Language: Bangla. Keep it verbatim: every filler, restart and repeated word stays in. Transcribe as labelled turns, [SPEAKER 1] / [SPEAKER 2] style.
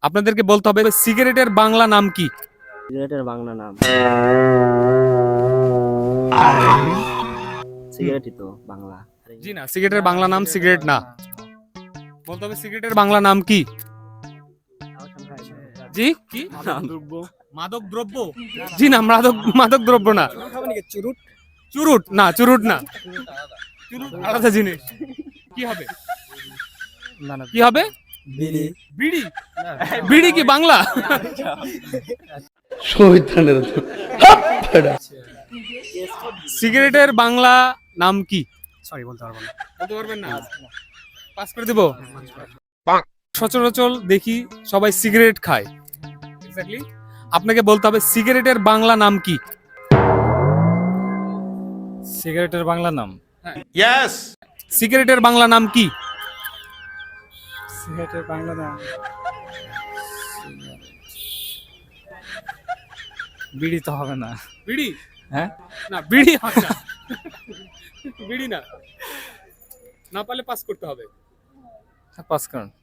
[SPEAKER 1] আপনাদেরকে বলতে হবে সিগারেটের বাংলা নাম কি?
[SPEAKER 2] সিগারেটের বাংলা নাম সিগারেটই তো বাংলা।
[SPEAKER 1] জি না, সিগারেটের বাংলা নাম সিগারেট না। বলতে হবে সিগারেটের বাংলা নাম কি? জি কি? মাদক দ্রব্য? জি না, মাদক মাদক দ্রব্য না।
[SPEAKER 2] চুরুট
[SPEAKER 1] চুরুট না, চুরুট না, চুরুট আলাদা জিনিস। কি হবে? কি হবে?
[SPEAKER 2] বিড়ি।
[SPEAKER 1] বিড়ি? বিড়ি কি বাংলা? সিগারেটের বাংলা নাম কি?
[SPEAKER 2] সরি বলতে পারবো না।
[SPEAKER 1] বলতে পারবেন না? পাস করে দেব। সচরাচর দেখি সবাই সিগারেট খায়। এক্স্যাক্টলি আপনাকে বলতে হবে সিগারেটের বাংলা নাম কি?
[SPEAKER 2] সিগারেটের বাংলা নাম
[SPEAKER 1] ইয়েস। সিগারেটের বাংলা নাম কি?
[SPEAKER 2] সিগারেটের বাংলা নাম বিড়ি তো হবে না।
[SPEAKER 1] বিড়ি?
[SPEAKER 2] হ্যাঁ
[SPEAKER 1] না, বিড়ি হয় না। বিড়ি না। না পারলে পাস করতে হবে।
[SPEAKER 2] পাস করুন।